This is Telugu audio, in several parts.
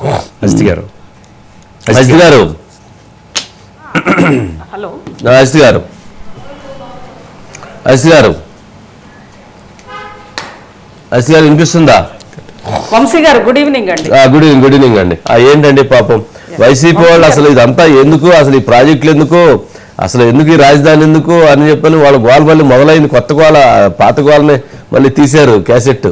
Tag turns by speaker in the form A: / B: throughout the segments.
A: అజిత్ గారు
B: హలో
C: అజిత్ గారు వినిపిస్తుందా?
B: వంశీ గారు గుడ్ ఈవినింగ్ అండి.
C: గుడ్ ఈవినింగ్ అండి. ఏంటండి పాపం వైసీపీ వాళ్ళు అసలు ఇదంతా ఎందుకు, అసలు ఈ ప్రాజెక్టులు ఎందుకు, అసలు ఎందుకు ఈ రాజధాని ఎందుకు అని చెప్పని వాళ్ళ గోల మళ్ళీ మొదలైంది. కొత్త గోల, పాత గోలని మళ్ళీ తీశారు క్యాసెట్.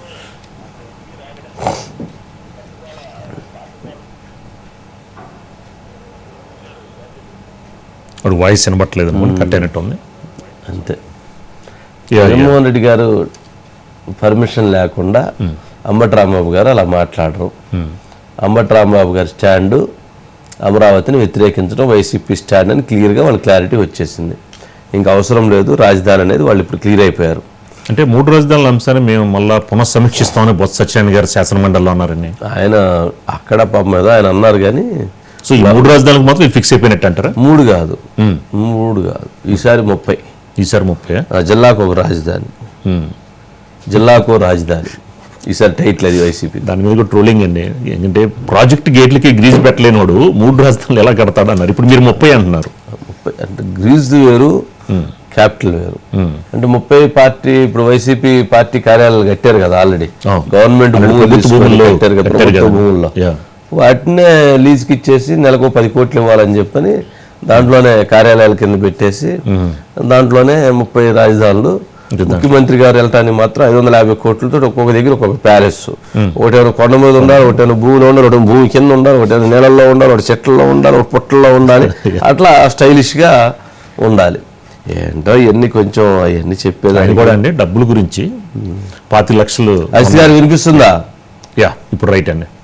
A: వాడు వాయిస్ వినబట్టలేదు కట్ అయినట్టుంది.
C: అంతే. జగన్మోహన్ రెడ్డి గారు పర్మిషన్ లేకుండా అంబటి రాంబాబు గారు అలా మాట్లాడరు. అంబటి రాంబాబు గారి స్టాండు అమరావతిని వ్యతిరేకించడం వైసీపీ స్టాండ్ అని క్లియర్గా వాళ్ళ క్లారిటీ వచ్చేసింది. ఇంకా అవసరం లేదు రాజధాని అనేది వాళ్ళు ఇప్పుడు క్లియర్ అయిపోయారు.
A: అంటే 3 రాజధానుల అంశాన్ని మేము మళ్ళీ పునఃసమీక్షిస్తామని బొత్స సత్యనారాయణ గారు శాసనమండలిలో అన్నారని
C: ఆయన అక్కడ పాపం మీద ఆయన అన్నారు. కానీ
A: సో ఈ 3 రాజధానులకు మాత్రం ఫిక్స్ అయిపోయినట్టు అంటారా?
C: 3 కాదు, ఈసారి 30.
A: ఈసారి 30.
C: జిల్లాకు ఒక రాజధాని, ఈసారి టైటిల్ అది వైసీపీ.
A: దాని మీద కూడా ట్రోలింగ్ అండి. ఎందుకంటే ప్రాజెక్ట్ గేట్లకి గ్రీజ్ పెట్టలేనివాడు 3 రాజధానులు ఎలా కడతాడు అన్నారు. ఇప్పుడు మీరు 30 అంటున్నారు.
C: 30 అంటే గ్రీజ్ వేరు, క్యాపిటల్ వేరు. అంటే 30 పార్టీ ఇప్పుడు వైసీపీ పార్టీ కార్యాలయాలు కట్టారు కదా ఆల్రెడీ, గవర్నమెంట్ భూముల్లో కట్టారు కదా, ప్రభుత్వ భూముల్లో. వాటినే లీజ్కి ఇచ్చేసి నెలకు 10 కోట్లు ఇవ్వాలని చెప్పని దాంట్లోనే కార్యాలయాల కింద పెట్టేసి దాంట్లోనే 30 రాజధానులు. ముఖ్యమంత్రి గారు వెళ్ళటానికి మాత్రం 550 కోట్లతో ఒక్కొక్క దగ్గర ఒక్కొక్క ప్యాలెస్. ఒకటేమో కొండ మీద ఉండాలి, ఒకటేమో భూమిలో ఉండాలి, ఒకటి భూమి కింద ఉండాలి, ఒకటేమో నీళ్ళల్లో ఉండాలి, ఒకటి చెట్లలో ఉండాలి, ఒక పొట్టల్లో ఉండాలి. అట్లా స్టైలిష్గా ఉండాలి. ఏంటో ఇవన్నీ కొంచెం అవన్నీ చెప్పేదాన్ని
A: కూడా అండి. డబ్బుల గురించి 25 లక్షలు.
C: అజిత్ గారు వినిపిస్తుందా?
A: ఇప్పుడు రైట్ అండి.